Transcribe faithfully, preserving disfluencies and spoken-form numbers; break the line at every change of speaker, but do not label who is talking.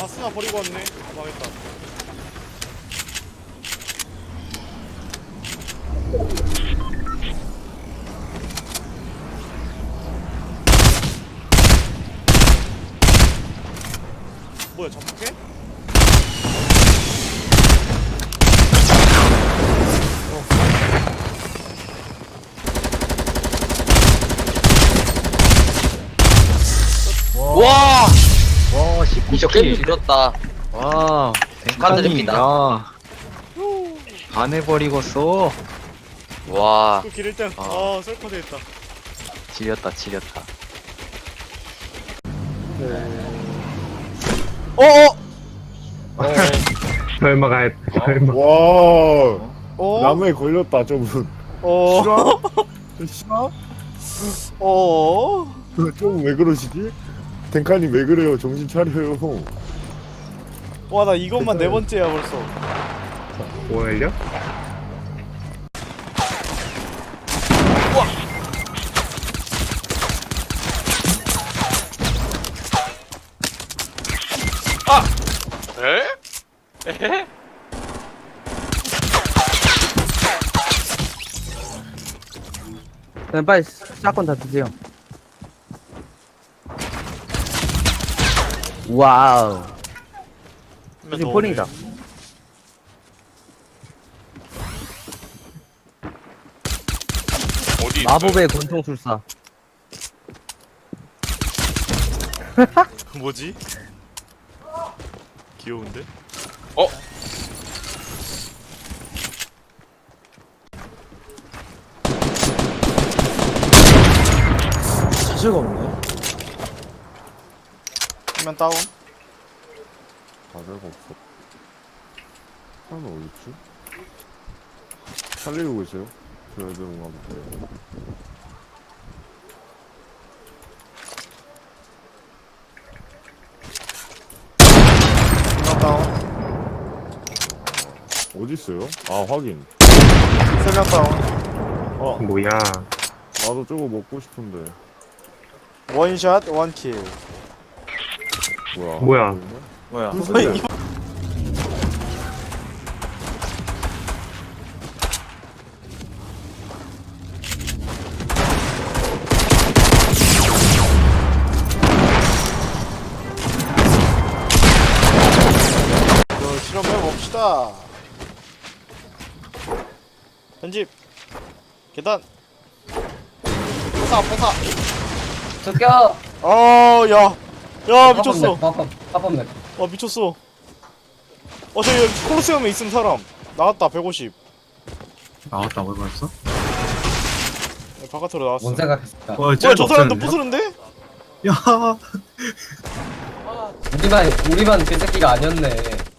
바스나 버리고 왔네. 망했다. 뭐야, 접촉해?
와!
와, 십구
이저 게임
킬.
길었다.
와,
축하드립니다.
야, 반해버리고 써.
와.
그 기를 땐,
아.
아, 셀커드 했다.
지렸다, 지렸다.
어어!
설마 갈 설마
와
어?
나무에 걸렸다 저분.
어?
싫어? 싫어?
어?
좀 왜 그러시지? 댕카님 왜 그래요? 정신 차려요.
와, 나 이것만 네 번째야, 벌써.
오열려?
에? 에헤?
그냥 빨리 샷건 다 드세요. 와우. 지금 폴링이다.
어디
마법의 권총술사.
뭐지? 귀여운데?
어?
자체가 없네.
화면 다운.
자체가 없어. 사람 어딨지? 살리고 계세요? 저 애들 한번 볼게요.
화면 다운.
어디 있어요? 아 확인.
세 명 다운.
아
뭐야?
나도 저거 먹고 싶은데.
원샷, 원킬.
뭐야?
뭐야?
하고 있네?
뭐야?
근데
이거 실험해봅시다. 편집. 계단. 포사, 포사.
저기요.
어, 야. 야, 미쳤어.
빠밤 빠밤
와, 미쳤어. 어, 저기 콜로세움에 있음 사람. 나왔다, 백오십.
나왔다고 벌써?
네, 바깥으로 나왔어.
뭔 생각했을까?
와,
뭐야, 저 사람도 부스른데?
야,
우리만 우리만 그 새끼가 아니었네.